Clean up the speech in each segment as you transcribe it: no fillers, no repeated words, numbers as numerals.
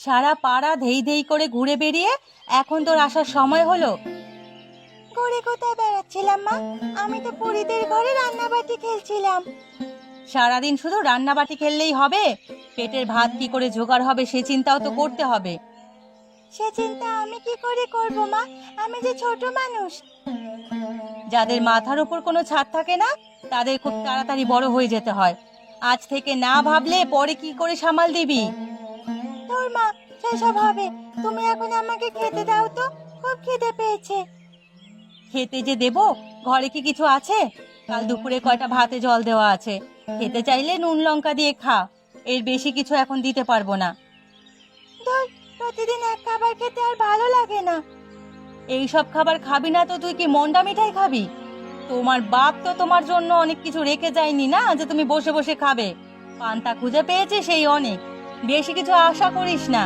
সারা পাড়া ধেই ধেই করে ঘুরে বেরিয়ে এখন তোর আসার সময় হলো। ঘুরে কোথায় বেড়াচ্ছিলাম মা? আমি তো পরিদের ঘরে রান্নাবাটি খেলছিলাম। সারাদিন শুধু রান্নাবাটি খেললেই হবে? পেটের ভাত কি করে জোগাড় হবে সে চিন্তাও তো করতে হবে। সে চিন্তা আমি কি করে করব মা? আমি যে ছোট মানুষ। যাদের মাথার উপর কোনো ছাদ থাকে না তাদের খুব তাড়াতাড়ি বড় হয়ে যেতে হয়। আজ থেকে না ভাবলে পরে কি করে সামাল দিবি? তোর মা, সেসব হবে। তুমি এখন আমাকে খেতে দাও তো, খুব খিদে পেয়েছে। খেতে যে দেব, ঘরে কি কিছু আছে? কাল দুপুরে কয়টা ভাতে জল দেওয়া আছে। খেতে চাইলে নুন লঙ্কা দিয়ে খা, এর বেশি কিছু এখন দিতে পারবো না। ধর, প্রতিদিন এক খাবার খেতে আর ভালো লাগে না। এই সব খাবার খাবি না তো তুই কি মন্ডা মিঠাই খাবি? তোমার বাপ তো তোমার জন্য অনেক কিছু রেখে যায়নি না যে তুমি বসে বসে খাবে। পান্তা খুঁজে পেয়েছে সেই অনেক, বেশি কিছু আশা করিস না।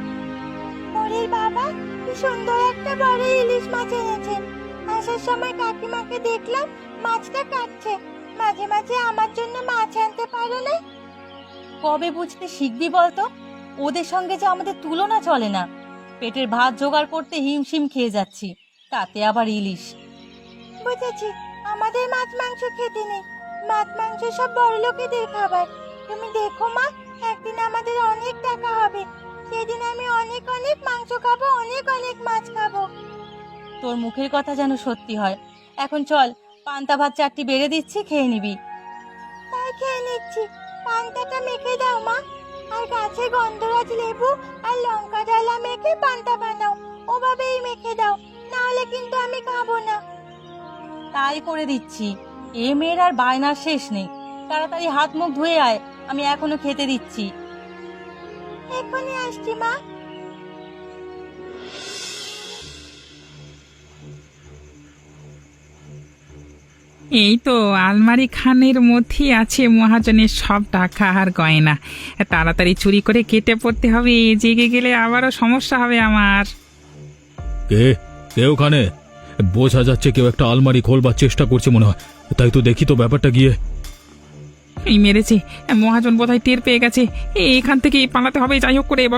পরের বাবা কি সুন্দর একটা বড় ইলিশ মাছ এনেছেন। আসার সময় কাকিমাকে দেখলাম মাছটা কাটছে। মাঝে মাঝে আমার জন্য মাছ আনতে পারো না? কবে বুঝতে শিখবি বলতো? ওদের সঙ্গে যে আমাদের তুলনা চলে না। পেটের ভাত জোগাড় করতে হিমশিম খেয়ে যাচ্ছি, তাতে আবার ইলিশ। বুঝেছি, আমাদের মাছ মাংস খেতে নেই। মাছ মাংস সব বড় লোকেদের খাবার। তুমি দেখো মা, একদিন আমাদের অনেক টাকা হবে। সেদিন আমি অনেক অনেক মাংস খাবো, অনেক অনেক মাছ খাবো। তোর মুখের কথা যেন সত্যি হয়। এখন চল, পান্তা ভাত 4টি বেড়ে দিচ্ছি, খেয়ে নিবি। তাই খেয়ে নিচ্ছি। পান্তাটা মেখে দাও মা, আর গাছে গন্ধরাজ লেবু আর লঙ্কা ডালা মেখে পান্তা বানাও। ওভাবেই মেখে দাও, না হলে কিন্তু আমি খাবো না। তাই করে দিচ্ছি। এ মেয়ের আর বায়নার শেষ নেই। তাড়াতাড়ি হাত মুখ ধুয়ে আয়, আমি এখনো খেতে দিচ্ছি। এখনই আসছি মা। এই তো আলমারি খানের মধ্যেই আছে মহাজনের সব টাকা আর গয়না। তাড়াতাড়ি চুরি করে কেটে পড়তে হবে, জেগে গেলে আবারও সমস্যা হবে আমার। কে কে ওখানে? বোঝা যাচ্ছে কেউ একটা আলমারি খোলবার চেষ্টা করছে মনে হয়। তাই তো দেখি তো ব্যাপারটা গিয়ে। এই মেরেছে, মহাজন বোধহয় টের পেয়ে গেছে। এখান থেকে পালাতে হবে যাই হোক করে।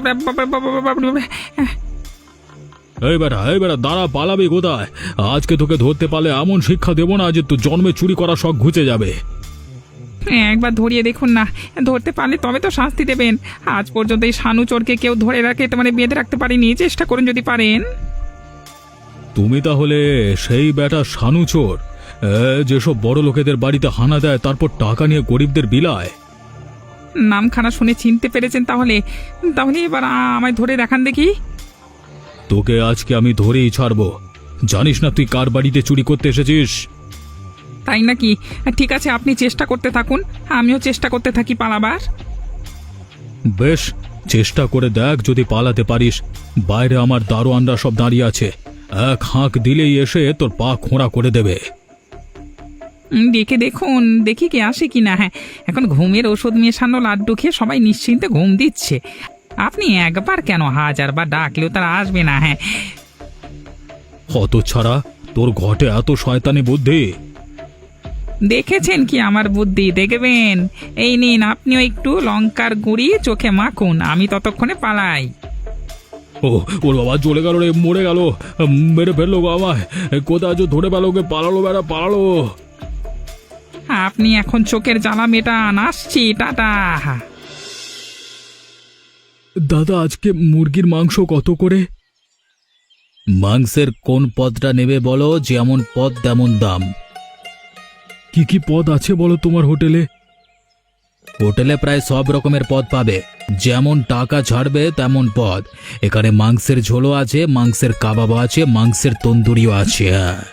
এই বেটা দাঁড়া, পালাবি কোথায়? আজকে তোকে ধরতে পারলে এমন শিক্ষা দেবো না যে তোর জন্মে চুরি করা শখ ঘুচে যাবে। একবার ধরিয়ে দেখুন না, ধরতে পারলে তবে তো শাস্তি দেবেন। আজ পর্যন্ত এই শানু চোরকে কেউ ধরে রাখে মানে বেঁধে রাখতে পারেনি। চেষ্টা করুন যদি পারেন। তুমি তাহলে সেই বেটা শানু চোর, যেসব বড় লোকেদের বাড়িতে হানা দেয় তারপর টাকা নিয়ে গরিবদের বিলায়? নামখানা শুনে চিনতে পেরেছেন তাহলে? তাহলে এবার আমায় ধরে দেখান দেখি। তোকে আজকে আমি ধরেই ছাড়বো। জানিস না তুই কার বাড়িতে চুরি করতে এসেছিস? তাই নাকি? ঠিক আছে, আপনি চেষ্টা করতে থাকুন, আমিও চেষ্টা করতে থাকি পালাবার। বেশ, চেষ্টা করে দেখ যদি পালাতে পারিস। বাইরে আমার দারোয়ানরা সব দাঁড়িয়ে আছে, এক হাঁক দিলেই এসে তোর পা খোঁড়া করে দেবে। দেখে দেখুন, দেখি কে আসে কিনা। হ্যাঁ, এখন ঘুমের ওষুধ মেশানো লাড্ডু খেয়ে সবাই নিশ্চিন্তে ঘুম দিচ্ছে। আপনি একবার কেন, হাজারবার ডাকলেও তারা আসবে না। হ্যাঁ, হতচ্ছাড়া, তোর ঘটে এত শয়তানি বুদ্ধি? দেখেছেন কি আমার বুদ্ধি? দেখবেন। এই নিন, আপনিও একটু লঙ্কার গুঁড়ি চোখে মাখুন, আমি ততক্ষণে পালাই। ও ওর বাবা চলে গেল রে, মরে গেল, মেরে ফেললো গো আমায়। কোথায় আছো? ধরে পেলো, ওকে পালালো, বেড়া পালালো। আপনি এখন চোখের জ্বালা মেটান, আসছি, টাটা। দাদা, আজকে মুরগির মাংস কত করে? মাংসের কোন পদটা নেবে বলো, যেমন পদ তেমন দাম। কি কি পদ আছে বলো তোমার হোটেলে? হোটেলে প্রায় সব রকমের পদ পাবে, যেমন টাকা ছাড়বে তেমন পদ। এখানে মাংসের ঝোলও আছে, মাংসের কাবাব আছে, মাংসের তন্দুরিও আছে।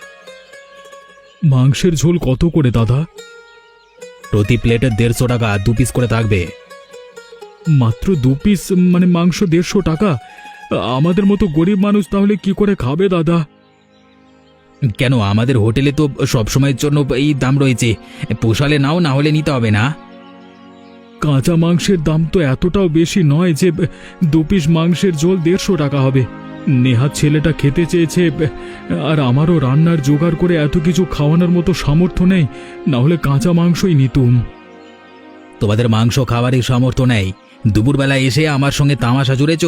মাংসের ঝোল কত করে দাদা? প্রতি প্লেটে 150 টাকা, 2 পিস করে থাকবে। মাত্র 2 পিস মানে মাংস 150 টাকা? আমাদের মতো গরিব মানুষ তাহলে কি করে খাবে দাদা? কেন, আমাদের হোটেলে তো সবসময়ের জন্য এই দাম রয়েছে। পোষালে নাও, না হলে নিতে হবে না। কাঁচা মাংসের দাম তো এতটাও বেশি নয় যে 2 পিস মাংসের ঝোল 150 টাকা হবে। নেহাত ছেলেটা খেতে চেয়েছে, আর আমারও রান্নার জোগাড় করে এত কিছু খাওয়ানোর মতো সামর্থ্য নেই, না হলে কাঁচা মাংসই নিতুম। তোমাদের মাংস খাওয়ারই সামর্থ্য নেই, দুপুরবেলা এসে আমার সঙ্গে তামাশা জুড়েছ।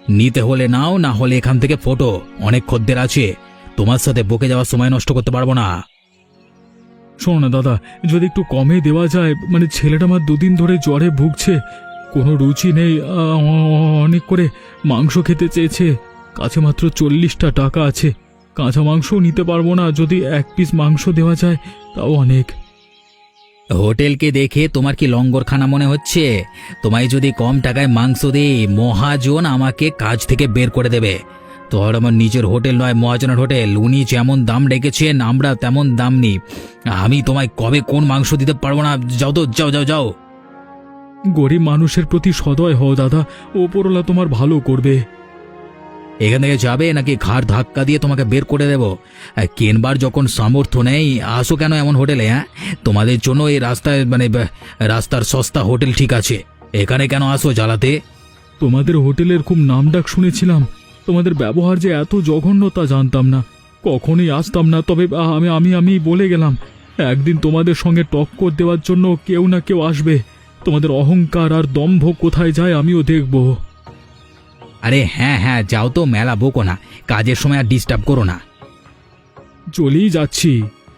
নিতে হলে নাও, না হলে এখান থেকে ফটো। অনেক খদ্দের আছে, তোমার সাথে বকে যাওয়ার সময় নষ্ট করতে পারবো না। শোনো না দাদা, যদি একটু কমে দেওয়া যায়, মানে ছেলেটা আমার দুদিন ধরে জ্বরে ভুগছে, কোনো রুচি নেই, অনেক করে মাংস খেতে চেয়েছে, কাছে মাত্র 40টা টাকা আছে, কাঁচা মাংসও নিতে পারবো না, যদি 1 পিস মাংস দেওয়া যায় তাও অনেক। হোটেলকে দেখে তোমার কি লঙ্গরখানা মনে হচ্ছে? তোমায় যদি কম টাকায় মাংস দেই, মহাজন আমাকে কাজ থেকে বের করে দেবে। তোর আমার নিজের হোটেল নয়, মহাজনের হোটেল। উনি যেমন দাম রেখেছেন আমরা তেমন দাম নিই। আমি তোমায় কবে কোন মাংস দিতে পারবো না। যাও তো, যাও যাও যাও। গরিব মানুষের প্রতি সদয় হও দাদা, ওপরওয়ালা তোমার ভালো করবে। এখান থেকে যাবে নাকি ঘাড় ধাক্কা দিয়ে তোমাকে বের করে দেব? কেনবার যখন সামর্থ্য নেই, আসো কেন এমন হোটেলে? হ্যাঁ, তোমাদের জন্য এই রাস্তায় রাস্তার সস্তা হোটেল ঠিক আছে, এখানে কেন আসো জ্বালাতে? তোমাদের হোটেলের খুব নামডাক শুনেছিলাম, তোমাদের ব্যবহার যে এত জঘন্য তা জানতাম না, কখনোই আসতাম না। তবে আমি বলে গেলাম, একদিন তোমাদের সঙ্গে টক্কর দেওয়ার জন্য কেউ না কেউ আসবে। তোমাদের অহংকার আর দম্ভ কোথায় যায় আমিও দেখব। আরে হ্যাঁ হ্যাঁ, যাও তো, মেলা বকো না, কাজের সময় আর ডিস্টার্ব করো না। চলেই যাচ্ছি।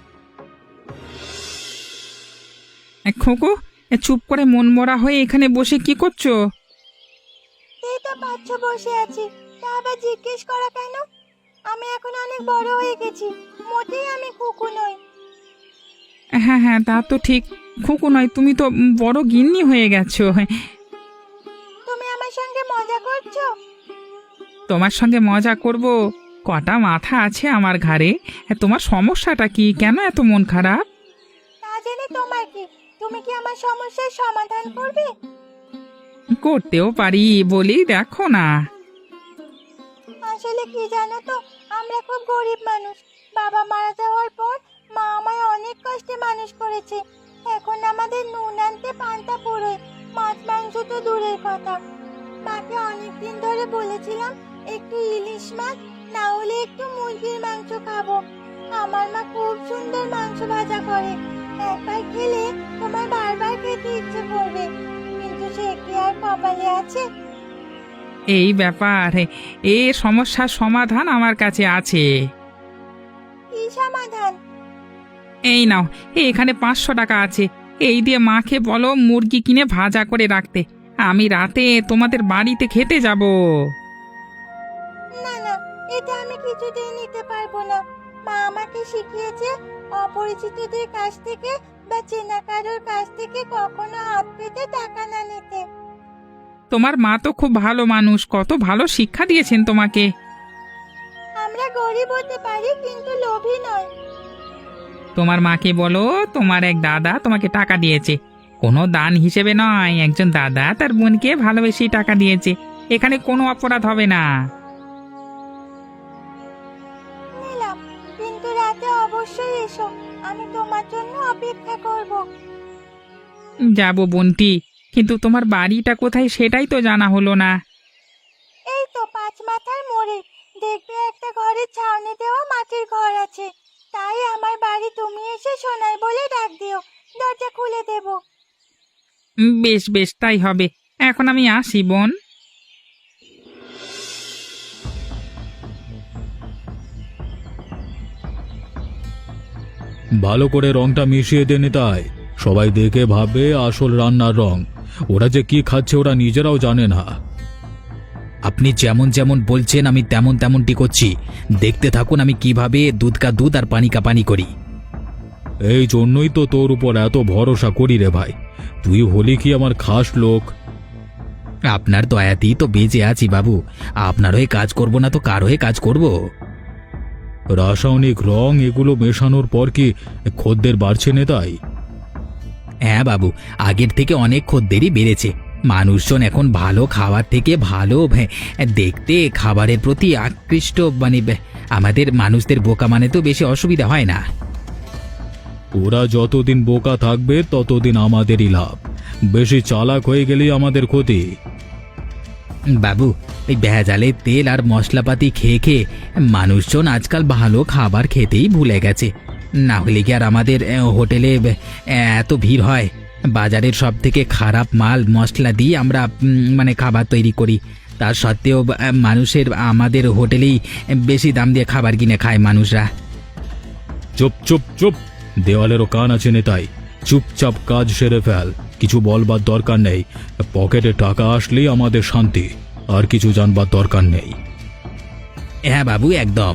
খোকো, চুপ করে মন মরা হয়ে এখানে বসে কি করছো? এই তো পাচ্ছ বসে আছি, তা আবার জিজ্ঞেস করা কেন? আমি এখন অনেক বড় হয়ে গেছি, মোটেই আমি কুকু নই। হ্যাঁ হ্যাঁ, তা তো ঠিক। খোকো নয়, তুমি তো বড় গিন্নি হয়ে গেছো। তুমি আমার সঙ্গে মজা করছো? তোমার সঙ্গে মজা করব? কটা মাথা আছে আমার ঘাড়ে। তোমার সমস্যাটা কি? কেন এত মন খারাপ? তা জেনে তোমার কি? তুমি কি আমার সমস্যার সমাধান করবে? করতেও পারি, বলি দেখো না। আসলে কি জানো তো, আমরা খুব গরিব মানুষ। বাবা মারা যাওয়ার পর মা আমায় অনেক কষ্টে মানুষ করেছে। এখন আমাদের নুন আনতে পান্তা পুরোয়, মাছ মাংস তো দূরের কথা। মাকে অনেকদিন ধরে বলেছিলাম একটু ইলিশ মাছ, না হলে একটু মুরগির মাংস খাবো। আমার মা খুব সুন্দর মাংস ভাজা করে, একবার খেলে তোমার বারবার খেতে ইচ্ছে করবে। কিন্তু সে কি আর কপালে আছে? এই ব্যাপার, এই সমস্যার সমাধান আমার কাছে আছে। কি সমাধান? এই নাও, এখানে 500 টাকা আছে। এই দিয়ে মাকে বলো মুরগি কিনে ভাজা করে রাখতে। আমি রাতে তোমাদের বাড়িতে খেতে যাব। না না, এটা আমি কিছুতেই নিতে পারবো না। মা আমাকে শিখিয়েছে অপরিচিতদের কাছ থেকে বা চেনা কারোর কাছ থেকে কখনো হাত পেতে টাকা না নিতে। তোমার মা তো খুব ভালো মানুষ, কত ভালো শিক্ষা দিয়েছেন তোমাকে। আমরা গরিব হতে পারি, কিন্তু লোভী নয়। তোমার মাকে বলো তোমার এক দাদা তোমাকে টাকা দিয়েছে, কোনো দান হিসেবে নয়। একজন দাদা তার বোনকে ভালোবেসে টাকা দিয়েছে, এখানে কোনো অপরাধ হবে না। নিলাম, কিন্তু রাতে অবশ্যই এসো, আমি তোমার জন্য অপেক্ষা করব। যাবো বোনটি, কিন্তু তোমার বাড়িটা কোথায় সেটাই তো জানা হলো না। এই তো 5 মাথার মোড়ে দেখবে একটা ঘরের ছাউনি দেওয়া মাটির ঘর আছে। তাই আমার বাড়ি তুমি এসে শোনাই বলে ডাক দিও, দরজা খুলে দেব। বেশ বেশ, তাই হবে। এখন আমি আসি বোন। ভালো করে রংটা মিশিয়ে দে নিতাই, সবাই দেখে ভাবে আসল রান্নার রং। ওরা যে কি খাচ্ছে ওরা নিজেরাও জানে না। আপনি যেমন যেমন বলছেন আমি তেমন তেমনটি করছি, দেখতে থাকুন আমি কিভাবে দুধ কা দুধ আর পানি কা পানি করি। এই জন্যই তো তোর উপর এত ভরসা করি রে ভাই, তুই হলি কি আমার খাস লোক। আপনার দয়াতেই তো বেঁচে আছি বাবু, আপনার হয়ে কাজ করব না তো কার হয়ে কাজ করব? রাসায়নিক রং এগুলো মেশানোর পর কি খদ্দের বাড়ছে নেতাই? হ্যাঁ বাবু, আগের থেকে অনেক খদ্দেরই বেড়েছে। মানুষজন এখন ভালো খাবার থেকে ভালো দেখতে খাবারের প্রতি আকৃষ্ট, আমাদের মানুষদের বোকা মানে তো বেশি অসুবিধা হয় না। ওরা যতদিন বোকা থাকবে ততদিন আমাদেরই লাভ, বেশি চালাক হয়ে গেলেই আমাদের ক্ষতি। বাবু, এই ভেজালে তেল আর মশলাপাতি খেয়ে খেয়ে মানুষজন আজকাল ভালো খাবার খেতেই ভুলে গেছে। না হলে কি আর আমাদের হোটেলে এত ভিড় হয়? বাজারের সব থেকে খারাপ মাল মশলা দিয়ে আমরা খাবার তৈরি করি, তার সত্ত্বেও মানুষের আমাদের হোটেলেই বেশি দাম দিয়ে খাবার কিনে খায় মানুষরা। চুপ চুপ চুপ, দেওয়ালেরও কান আছে নেতাই। চুপচাপ কাজ সেরে ফেল, কিছু বলবার দরকার নেই। পকেটে টাকা আসলেই আমাদের শান্তি, আর কিছু জানবার দরকার নেই। হ্যাঁ বাবু, একদম।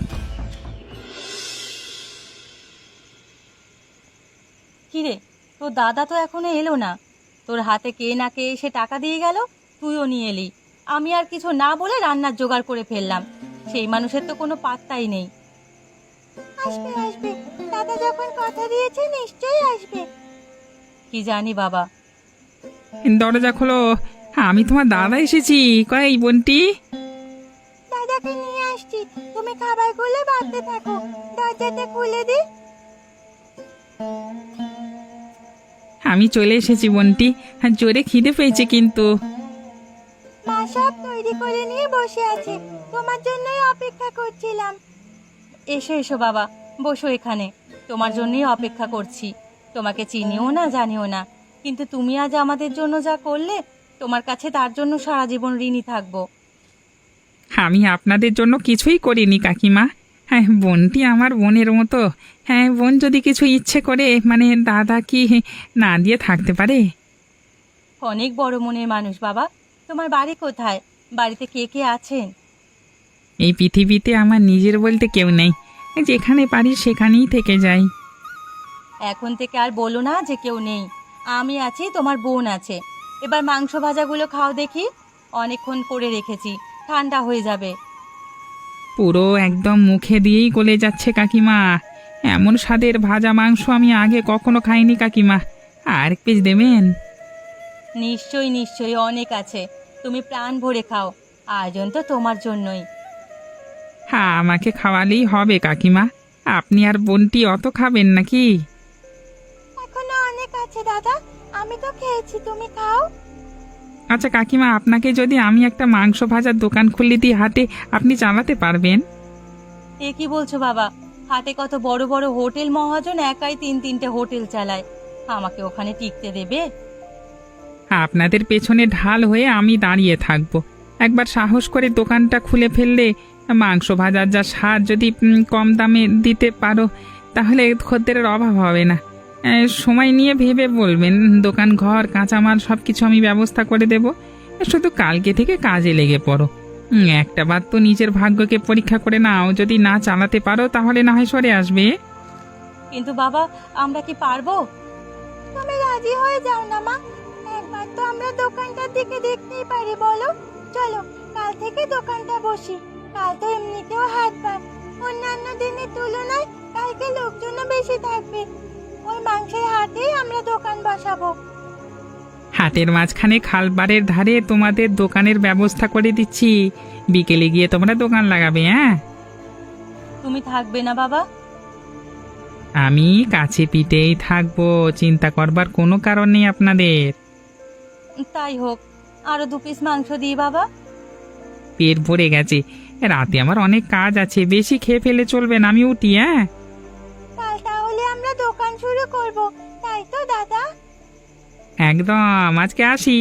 কিরে, তোর দাদা তো এখনো এলো না। তোর হাতে কে না কে এসে টাকা দিয়ে গেল, তুইও নিয়ে এলি। আমি আর কিছু না বলে রান্নার জোগাড় করে ফেললাম। সেই মানুষের তো কোনো পাত্তাই নেই। আসবে আসবে, দাদা যখন কথা দিয়েছে নিশ্চয়ই আসবে। কি জানি বাবা। দরজা খোলো, আমি তোমার দাদা এসেছি। কই বোনটি? দাদাকে নিয়ে আসছি, তুমি খাবারগুলো বাড়তে থাকো। দরজাটা খুলে দি। আমি চলে এসেছি বোনটি, জোরে খিদে পেয়েছে কিন্তু। মা সব তৈরি করে নিয়ে বসে আছে, তোমার জন্যই অপেক্ষা করছিলাম। এসো এসো বাবা, বসো এখানে। তোমার জন্যই অপেক্ষা করছি। তোমাকে চিনিও না জানিও না, কিন্তু তুমি আজ আমাদের জন্য যা করলে, তোমার কাছে তার জন্য সারা জীবন ঋণী থাকবো। আমি আপনাদের জন্য কিছুই করিনি কাকিমা। হ্যাঁ, বোনটি আমার বোনের মতো। হ্যাঁ, বোন যদি কিছু ইচ্ছে করে, মানে দাদা কি না দিয়ে থাকতে পারে? অনেক বড় মনের মানুষ বাবা। তোমার বাড়ি কোথায়? বাড়িতে কে কে আছেন? এই পৃথিবীতে আমার নিজের বলতে কেউ নেই, যেখানে পারি সেখানেই থেকে যাই। এখন থেকে আর বলো না যে কেউ নেই। আমি আছি, তোমার বোন আছে। এবার মাংস ভাজাগুলো খাও দেখি, অনেকক্ষণ করে রেখেছি, ঠান্ডা হয়ে যাবে। পুরো একদম মুখে দিয়েই গলে যাচ্ছে কাকিমা। এমন স্বাদের ভাজা মাংস আমি আগে কখনো খাইনি কাকিমা। আর এক পিস দেবেন? নিশ্চয়ই নিশ্চয়ই, অনেক আছে। তুমি প্রাণ ভরে খাও, আয়োজন তো তোমার জন্যই। হ্যাঁ, আমাকে খাওয়ালেই হবে কাকিমা। আপনি আর বোনটি অত খাবেন নাকি? এখনো অনেক আছে দাদা, আমি তো খেয়েছি, তুমি খাও। আচ্ছা কাকিমা, আপনাকে যদি আমি একটা মাংস ভাজার দোকান খুলে দিই হাটে, আপনি চালাতে পারবেন? এ কি বলছো বাবা? হাতে কত বড় বড় হোটেল মহাজন একাই 3-3টে হোটেল চালায়, আমাকে ওখানে টিকতে দেবে? আপনাদের পেছনে ঢাল হয়ে আমি দাঁড়িয়ে থাকবো। একবার সাহস করে দোকানটা খুলে ফেললে, মাংস ভাজার যা স্বাদ যদি কম দামে দিতে পারো, তাহলে খদ্দেরের অভাব হবে না। সময় নিয়ে ভেবে বলবেন, দোকান ঘর কাঁচামাল সব কিছু আমি ব্যবস্থা করে দেব। শুধু কালকে থেকে কাজে লেগে পড়ো। একটা বার তো নিজের ভাগ্যকে পরীক্ষা করে নাও, যদি না চালাতে পারো তাহলে না হয় সরে আসবে। কিন্তু বাবা, আমরা কি পারবো? তুমি রাজি হয়ে যাও না মা, একবার তো আমরা দোকানটার দিকে দেখতেই পারি, বলো। চলো কাল থেকে দোকানটা বসি। কাল তো এমনিতেও হাটবার, অন্যান্য দিনের তুলনায় কালকে লোকজনও বেশি থাকবে। ওই মাংসের হাটেই আমরা দোকান বসাবো। হাটের মাঝখানে খালবারের ধারে তোমাদের দোকানের ব্যবস্থা করে দিচ্ছি। বিকেলে গিয়ে তোমরা দোকান লাগাবে। হ্যাঁ, তুমি থাকবে না বাবা? আমি কাছে পিঠেই থাকবো, চিন্তা করবার কোনো কারণ নেই আপনাদের। তাই হোক, আরো 2 পিস মাংস দিই বাবা। পেট ভরে গেছে, রাতে আমার অনেক কাজ আছে, বেশি খেয়ে ফেলে চলবে না, আমি উঠি। হ্যাঁ, কাল তাহলে আমরা দোকান শুরু করব, তাই তো দাদা? একদম, আজকে আসি।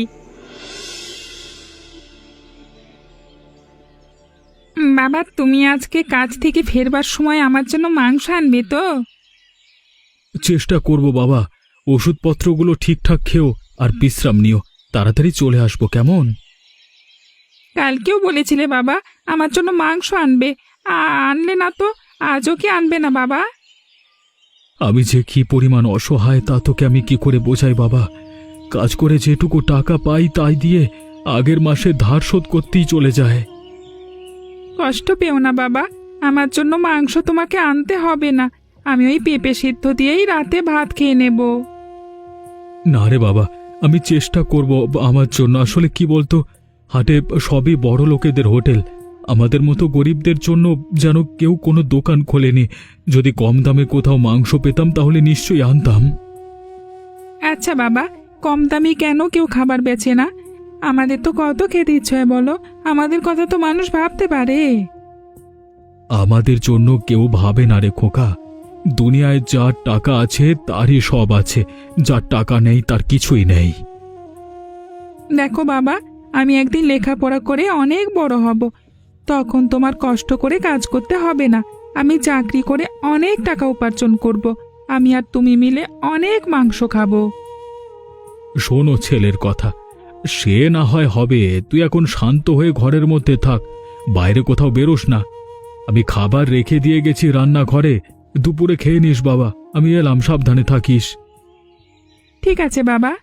বাবা, তুমি আজকে কাজ থেকে ফেরবার সময় আমার জন্য মাংস আনবে তো? চেষ্টা করব বাবা। ওষুধপত্রগুলো ঠিকঠাক খেও আর বিশ্রাম নিও। তাড়াতাড়ি চলে আসবো, কেমন? কালকেও বলেছিলে বাবা আমার জন্য মাংস আনবে, আনলে না তো। আজও কি আনবে না বাবা? আমি যে কি পরিমাণ অসহায় তা তোকে আমি কি করে বোঝাই বাবা। কাজ করে যেটুকু টাকা পাই তাই দিয়ে আগের মাসে ধার শোধ করতেই চলে যায়। কষ্ট পেও না বাবা, আমার জন্য মাংস তোমাকে আনতে হবে না। আমি ওই পেঁপে সিদ্ধ দিয়েই রাতে ভাত খেয়ে নেব। না রে বাবা, আমি চেষ্টা করব আমার জন্য। আসলে কি বলতো, হাটে সবই বড় লোকেদের হোটেল, আমাদের মতো গরিবদের জন্য যেন কেউ কোনো দোকান খোলেনি। যদি কম দামে কোথাও মাংস পেতাম তাহলে নিশ্চয়ই আনতাম। আচ্ছা বাবা, কম দামি কেন কেউ খাবার বেচে না? আমাদের তো কত খেতে ইচ্ছে হয় বলো, আমাদের কথা তো মানুষ ভাবতে পারে। আমাদের জন্য কেউ ভাবে না রে খোকা। দুনিয়ায় যার টাকা আছে তারই সব আছে, যার টাকা নেই তার কিছুই নেই। দেখো বাবা, আমি একদিন লেখাপড়া করে অনেক বড় হব, তখন তোমার কষ্ট করে কাজ করতে হবে না। আমি চাকরি করে অনেক টাকা উপার্জন করব। আমি আর তুমি মিলে অনেক মাংস খাবো। শোনো ছেলের কথা, সে না হয় হবে, তুই এখন শান্ত হয়ে ঘরের মধ্যে থাক, বাইরে কোথাও বেরোস না। আমি খাবার রেখে দিয়ে গেছি রান্নাঘরে, দুপুরে খেয়ে নিস বাবা। আমি এলাম, সাবধানে থাকিস। ঠিক আছে বাবা।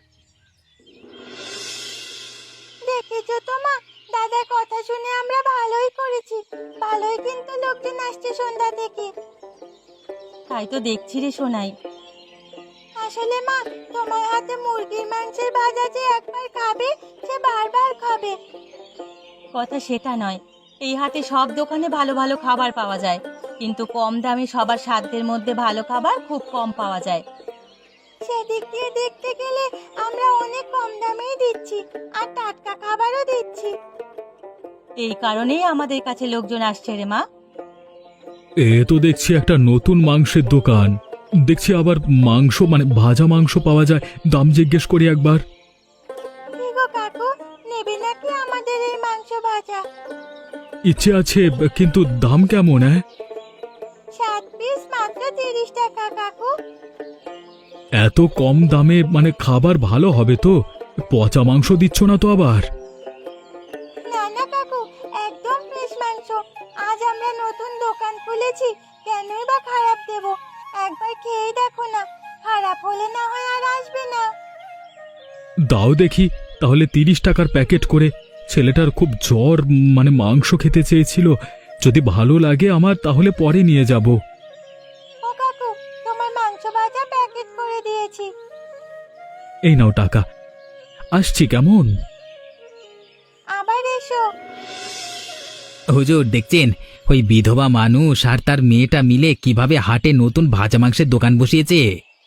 দেখেছো তো মা, দাদার কথা শুনে আমরা ভালোই করেছি। ভালোই কিন্তু লোকজন আসছে সন্ধ্যা থেকে। তাই তো দেখছি রে সোনাই। আসলে মা, তোমার হাতে মুরগির মাংসের ভাজা যে একবার খাবে সে বারবার খাবে। কথা সেটা নয়, এই হাতে সব দোকানে ভালো ভালো খাবার পাওয়া যায়, কিন্তু কম দামে সবার সাধ্যের মধ্যে ভালো খাবার খুব কম পাওয়া যায়। সেদিক দিয়ে দেখতে গেলে আমরা অনেক কম দামেই দিচ্ছি, আর টাটকা খাবারও দিচ্ছি। এই কারণেই আমাদের কাছে লোকজন আসছে রে মা। এ তো দেখছি একটা নতুন মাংসের দোকান। দেখছি আবার মাংস মানে ভাজা মাংস পাওয়া যায়। দাম জিজ্ঞেস করি একবার। কি গো কাকু, নেবে নাকি আমাদের এই মাংস ভাজা? ইচ্ছে আছে, কিন্তু দাম কেমন? 7 পিস মাত্র 30 টাকা কাকু। এত কম দামে মানে খাবার ভালো হবে তো? পচা মাংস দিচ্ছ না তো আবার? না না কাকু, একদম ফ্রেশ মাংস। আজ আমরা নতুন দোকান খুলেছি, কেনই বা খারাপ দেব? একবার খেয়ে দেখো না, খারাপ হলে না হয় আর আসবে না। দাও দেখি তাহলে 30 টাকার প্যাকেট করে। ছেলেটার খুব জ্বর, মানে মাংস খেতে চেয়েছিল। যদি ভালো লাগে আমার তাহলে পরে নিয়ে যাব। ও কাকু, তোমার মাংস ভাজা প্যাকেট করে দিয়েছি। এই নাও টাকা, আসছি কেমন? আবার এসো। হুজুর দেখছেন, ওই বিধবা মানুষ আর তার মেয়েটা মিলে কিভাবে হাটে নতুন ভাজা মাংসের দোকান বসিয়েছে।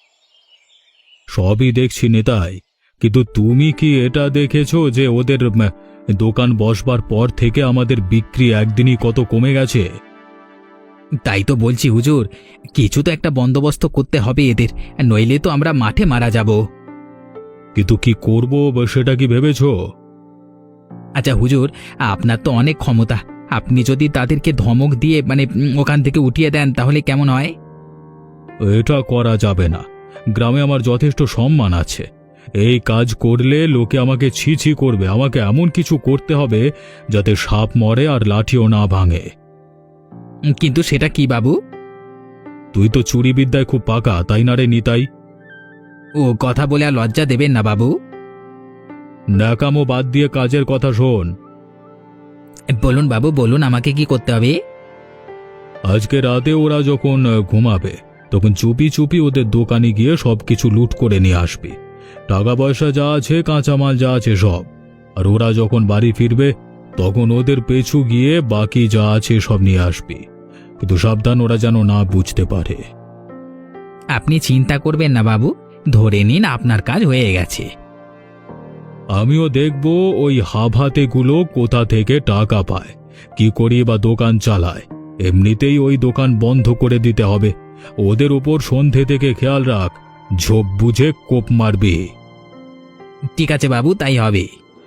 সবই দেখছি নেতাই, কিন্তু তুমি কি এটা দেখেছো যে ওদের দোকান বসবার পর থেকে আমাদের বিক্রি একদিনই কত কমে গেছে? তাই তো বলছি হুজুর, কিছু তো একটা বন্দোবস্ত করতে হবে এদের, নইলে তো আমরা মাঠে মারা যাব। কিন্তু কি করব সেটা কি ভেবেছো? আচ্ছা হুজুর, আপনার তো অনেক ক্ষমতা, আপনি যদি তাদেরকে ধমক দিয়ে ওখান থেকে উঠিয়ে দেন তাহলে কেমন হয়? এটা করা যাবে না। গ্রামে আমার যথেষ্ট সম্মান আছে। এই কাজ করলে লোকে আমাকে ছি ছি করবে। আমাকে এমন কিছু করতে হবে যাতে সাপ মরে আর লাঠিও না ভাঙে। কিন্তু সেটা কি বাবু? তুই তো চুরি বিদ্যায় খুব পাকা, তাই না রে নিতাই? ও কথা বলে আর লজ্জা দেবেন না বাবু। ন্যাকামো বাদ দিয়ে কাজের কথা শোন। বলুন বাবু বলুন, আমাকে কি করতে হবে? আজকে রাতে ওরা যখন ঘুমাবে তখন চুপি চুপি ওদের দোকানে গিয়ে সবকিছু লুট করে নিয়ে আসবি। টাকা পয়সা যা আছে, কাঁচামাল যা আছে সব। আর ওরা যখন বাড়ি ফিরবে তখন ওদের পেছু গিয়ে বাকি যা আছে সব নিয়ে আসবি। কিন্তু সাবধান, ওরা যেন না বুঝতে পারে। আপনি চিন্তা করবেন না বাবু, ধরে নিন আপনার কাজ হয়ে গেছে। আমিও দেখব ওই হাভাতেগুলো কোথা থেকে টাকা পায়, কি করি বা দোকান চালায়। এমনিতেই ওই দোকান বন্ধ করে দিতে হবে। ওদের উপর সন্ধে থেকে খেয়াল রাখ, ঝোপ বুঝে কোপ মারবি। ঠিক আছে বাবু, তাই হবে।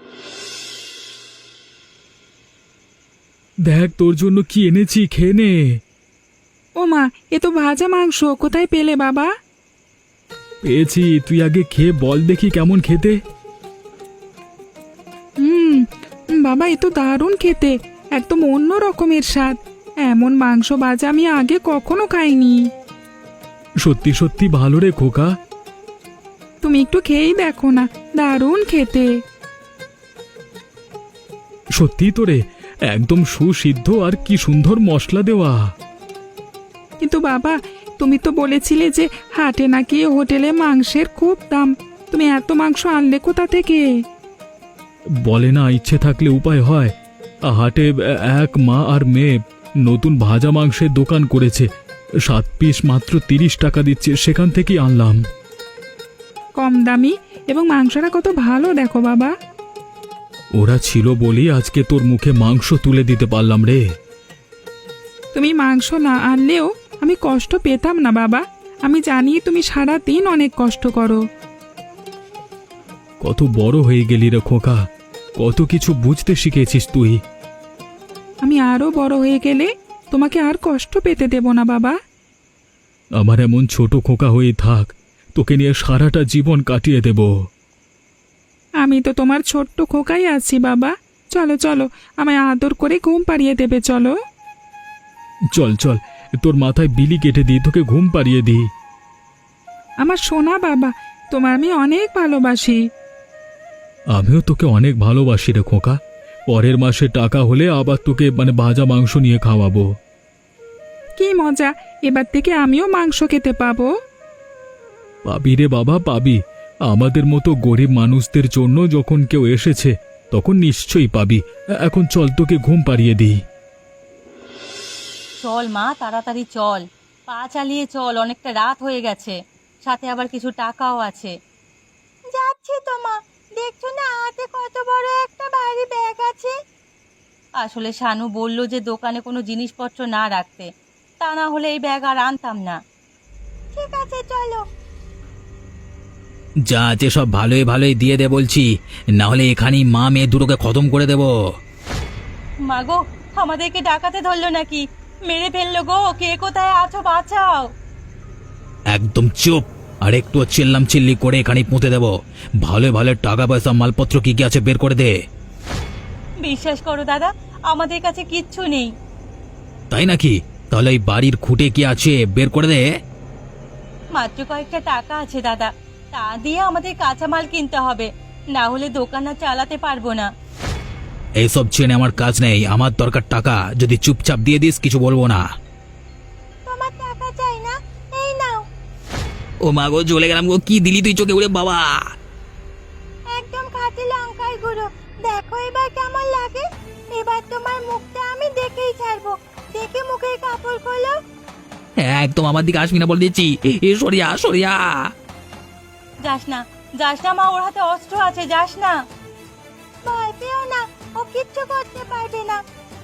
দেখ তোর জন্য কি এনেছি, খেয়ে নে। ও মা, এ তো ভাজা মাংস, কোথায় পেলে বাবা? পেয়েছি, তুই আগে খেয়ে বল দেখি কেমন খেতে। বাবা, এ তো দারুণ খেতে, একদম অন্য রকমের স্বাদ। এমন মাংস ভাজা আমি আগে কখনো খাইনি। সত্যি সত্যি ভালো রে খোকা। তুমি একটু খেয়েই দেখো না, দারুণ খেতে। সত্যি তো রে, একদম সুসিদ্ধ আর কি সুন্দর মশলা দেওয়া। কিন্তু বাবা, তুমি তো বলেছিলে যে হাটে নাকি হোটেলে মাংসের খুব দাম। তুমি এত মাংস আনলে কোথা থেকে? বলে না, ইচ্ছে থাকলে উপায় হয়। হাটে এক মা আর মেয়ে নতুন ভাজা মাংসের দোকান করেছে। 7 পিস মাত্র 30 টাকা দিচ্ছে, সেখান থেকেই আনলাম। কম দামি এবং মাংসটা কত ভালো দেখো বাবা। ওরা ছিল বলেই আজকে তোর মুখে মাংস তুলে দিতে পারলাম রে। তুমি মাংস না আনলেও আমি কষ্ট পেতাম না বাবা। আমি জানি তুমি সারা দিন অনেক কষ্ট করো। কত বড় হয়ে গেলি রে খোকা, কত কিছু বুঝতে শিখেছিস তুই। আমি আরো বড় হয়ে গেলে তোমাকে আর কষ্ট পেতে দেব না বাবা। আমার এমন ছোট খোকা হয়ে থাক, তোকে নিয়ে সারাটা জীবন কাটিয়ে দেব। আমি তো তোমার ছোট্ট খোকাই আছি বাবা। চলো চলো, আমায় আদর করে ঘুম পাড়িয়ে দেবে, চলো। চল চল, তোর মাথায় বিলি কেটে দিই, তোকে ঘুম পাড়িয়ে দিই। আমার সোনা বাবা, তোমার আমি অনেক ভালোবাসি। আমিও তোকে অনেক ভালোবাসি রে খোকা। পরের মাসে টাকা হলে আবার তোকে ভাজা মাংস নিয়ে খাওয়াবো। কি মজা, এবার থেকে আমিও মাংস খেতে পাবো। পাবি রে বাবা, পাবি। আমাদের মতো গরিব মানুষদের জন্য যখন কেউ এসেছে তখন নিশ্চয়ই পাবি। এখন চল, তোকে ঘুম পাড়িয়ে দিই। চল মা, তাড়াতাড়ি চল, পা চালিয়ে চল, অনেকটা রাত হয়ে গেছে, সাথে আবার কিছু টাকাও আছে। যাচ্ছি তো মা, দেখছো না হাতে কত বড় একটা ভারী ব্যাগ আছে। আসলে শানু বলল যে দোকানে কোনো জিনিসপত্র না রাখতে, তা না হলে এই ব্যাগ আর আনতাম না। ঠিক আছে চলো। যা আছে সব ভালোই ভালোই দিয়ে দে বলছি, না হলে এখানেই মা মেয়ে দুটোকে খতম করে দেব। মাগো, আমাদেরকে ডাকাতে ধরলো নাকি? মেরে ফেললো গো, কে কোথায় আছো বাঁচাও। একদম চুপ, আর একটু চিল্লাম চিল্লি করে এখানেই পুঁতে দেব। ভালো ভালো টাকা পয়সা মালপত্র কি কি আছে বের করে দে। বিশ্বাস করো দাদা, আমাদের কাছে কিচ্ছু নেই। তাই নাকি? তাহলে এই বাড়ির খুঁটে কি আছে বের করে দে। মাত্র কয়েকটা টাকা আছে দাদা, তা দিয়ে আমাদের কাঁচামাল কিনতে হবে, না হলে দোকান আর চালাতে পারবো না। এইসব চেনে আমার কাজ নেই, আমার দরকার টাকা। যদি চুপচাপ দিয়ে দিস কিছু বলবো না। তোমার টাকা চাই না, এই নাও। ও মা গো, চলে গেলাম গো। কি দিলি তুই চোখে? উড়ে বাবা! একদম খাঁটি লঙ্কার গুঁড়ো, দেখো এবার কেমন লাগে। এবার তোমার মুখটা আমি দেখেই ছাড়বো, দেখে মুখের কাপড় খোলো। একদম আমার দিকে আসবি না বলে দিচ্ছি। এ সরিয়া সরিয়া। যাস না, যাস না মা, ওর হাতে অস্ত্র আছে, যাস না। ভয় পেও না, ও কিচ্ছু করতে পারবে না।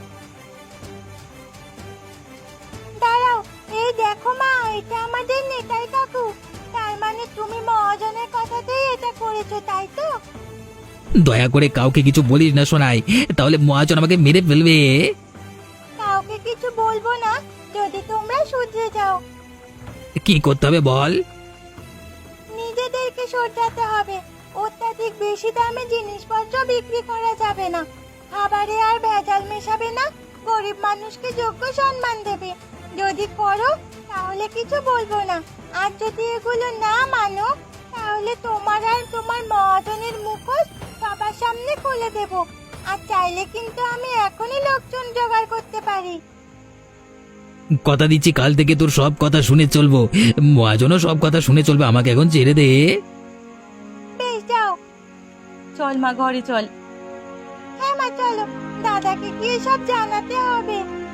দাঁড়াও, এই দেখো মা, এটা আমাদের নেতাই কাকু। তার মানে তুমি মহাজনের কথাতেই এটা করেছো, তাই তো? দয়া করে কাউকে কিছু বলিস না শোনাই, তাহলে মহাজন আমাকে মেরে ফেলবে। কাউকে কিছু বলবো না, যদি তোমরা শুধরে যাও। কি করতে হবে বল? নিজেদেরকে শোধরাতে হবে। অত্যাধিক বেশি দামে জিনিসপত্র বিক্রি করা যাবে না, খাবারে আর ভেজাল মেশাবে না, গরিব মানুষকে যোগ্য সম্মান দেবে। যদি করো তাহলে কিছু বলবো না, আর যদি এগুলো না মানো তাহলে তোমার আর তোমার মহাজনের মুখোশ সবার সামনে খুলে দেব। আর চাইলে কিন্তু আমি এখনই লোকজন জোগাড় করতে পারি। কথা দিচ্ছি কাল থেকে তোর সব কথা শুনে চলবো। মহাজনও সব কথা শুনে চলবে। আমাকে এখন ছেড়ে দে। বেশ যাও। চল মা, ঘরে চল। হ্যাঁ মা চলো, দাদাকে গিয়ে সব জানাতে হবে।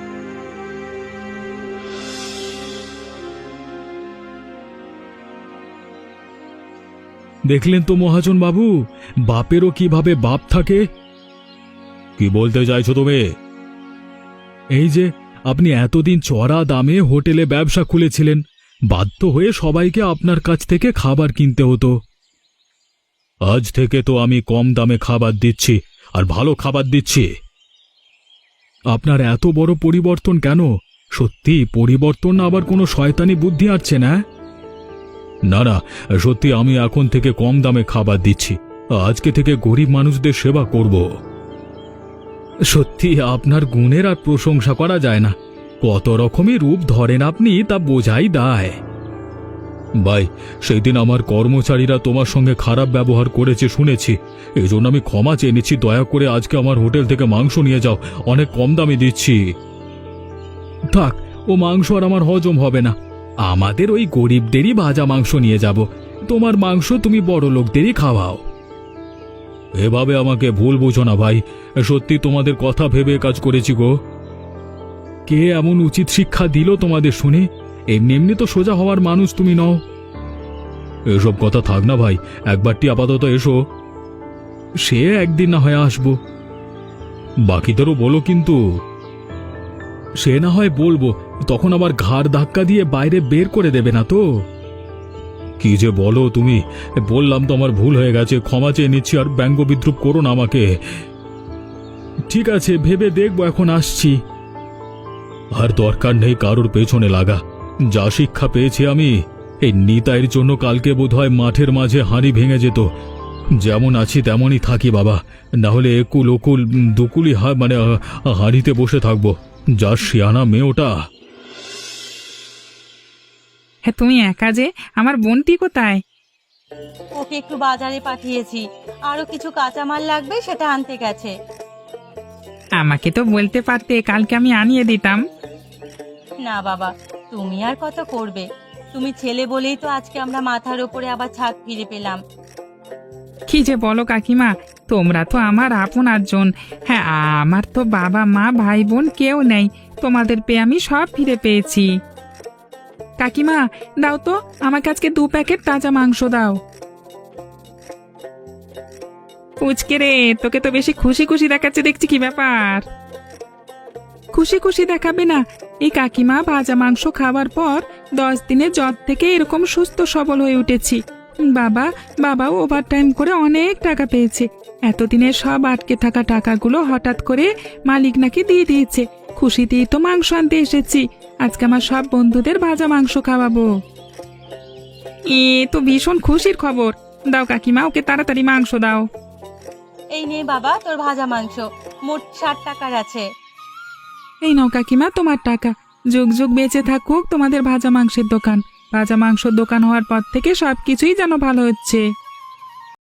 দেখলেন তো মহাজন বাবু, বাপেরও কিভাবে বাপ থাকে। কি বলতে চাইছো তুমি? এই যে আপনি এতদিন চড়া দামে হোটেলে ব্যবসা খুলেছিলেন, বাধ্য হয়ে সবাইকে আপনার কাছ থেকে খাবার কিনতে হতো। আজ থেকে তো আমি কম দামে খাবার দিচ্ছি, আর ভালো খাবার দিচ্ছি। আপনার এত বড় পরিবর্তন কেন? সত্যি পরিবর্তন না আবার কোনো শয়তানি বুদ্ধি আসছে না? না না, সত্যি আমি এখন থেকে কম দামে খাবার দিচ্ছি। আজকে থেকে গরিব মানুষদের সেবা করব। সত্যি আপনার গুণের আর প্রশংসা করা যায় না। কত রকমের রূপ ধরেন আপনি, তা বোঝাই দায়। ভাই, সেই দিন আমার কর্মচারীরা তোমার সঙ্গে খারাপ ব্যবহার করেছে শুনেছি, এই জন্য আমি ক্ষমা চেয়ে নিচ্ছি। দয়া করে আজকে আমার হোটেল থেকে মাংস নিয়ে যাও, অনেক কম দামে দিচ্ছি। থাক, ও মাংস আর আমার হজম হবে না। আমাদের ওই গরিবদেরই ভাজা মাংস নিয়ে যাব। তোমার মাংস তুমি বড় লোকদেরই খাওয়াও। এভাবে আমাকে ভুল বুঝো না ভাই, সত্যি তোমাদের কথা ভেবে কাজ করেছি গো। কে এমন উচিত শিক্ষা দিল তোমাদের শুনে? এমনি এমনি তো সোজা হওয়ার মানুষ তুমি নও। এসব কথা থাক না ভাই, একবারটি আপাতত এসো। সে একদিন না হয় আসবো। বাকিদেরও বলো কিন্তু। সে না হয় বলবো, তখন আবার ঘাড় ধাক্কা দিয়ে বাইরে বের করে দেবে না তো? কি যে বলো তুমি! বললাম তো আমার ভুল হয়ে গেছে, ক্ষমা চেয়ে নিচ্ছি, আর ব্যঙ্গ বিদ্রুপ করো না আমাকে। ঠিক আছে, ভেবে দেখবো, এখন আসছি। আর দরকার নেই কারোর পেছনে লাগা। যা শিক্ষা পেয়েছি আমি, এই নিতাইয়ের জন্য কালকে বোধহয় মাঠের মাঝে হাঁড়ি ভেঙে যেত। যেমন আছি তেমনই থাকি বাবা, না হলে একুল ওকুল দুকুলি হাঁড়িতে বসে থাকবো। যা শিয়ানা মেয়ে ওটা! হ্যাঁ, তুমি একা যে, আমার বোনটি কোথায়? ওকে একটু বাজারে পাঠিয়েছি, আরো কিছু কাঁচামাল লাগবে, সেটা আনতে গেছে। আমাকে তো বলতে পারতে, কালকে আমি আনিয়ে দিতাম। না বাবা, তুমি আর কত করবে? তুমি ছেলে বলেই তো আজকে আমরা মাথার উপরে আবার ছাদ ফিরে পেলাম। কি যে বলো কাকিমা, তোমরা তো আমার আপনারজন। হ্যাঁ, আমার তো বাবা মা ভাই বোন কেউ নেই, তোমাদের পেয়ে আমি সব ফিরে পেয়েছি। কাকিমা, দাও তো আমাকে আজকে 2 প্যাকেট তাজা মাংস দাও। পুচকে রে, তোকে তো বেশি খুশি খুশি দেখাচ্ছে দেখছি, কি ব্যাপার? খুশি খুশি দেখাবে না? এই কাকিমা ভাজা মাংস খাওয়ার পর 10 দিনের জ্বর থেকে এরকম সুস্থ সবল হয়ে উঠেছি। বাবাও ওভারটাইম করে অনেক টাকা পেয়েছে। এতদিনের সব আটকে থাকা টাকাগুলো হঠাৎ করে মালিক নাকি দিয়ে দিয়েছে। খুশিতেই তো মাংস আনতে এসেছি, আজকে আমার সব বন্ধুদের ভাজা মাংস খাওয়াবো। এ তো ভীষণ খুশির খবর। দাও কাকিমা, ওকে তাড়াতাড়ি মাংস দাও। এই নে বাবা তোর ভাজা মাংস, মোট 60 টাকার আছে। এই নাও কাকিমা তোমার টাকা। যুগ যুগ বেঁচে থাকুক তোমাদের ভাজা মাংসের দোকান। ভাজা মাংসের দোকান হওয়ার পর থেকে সবকিছুই যেন ভালো হচ্ছে।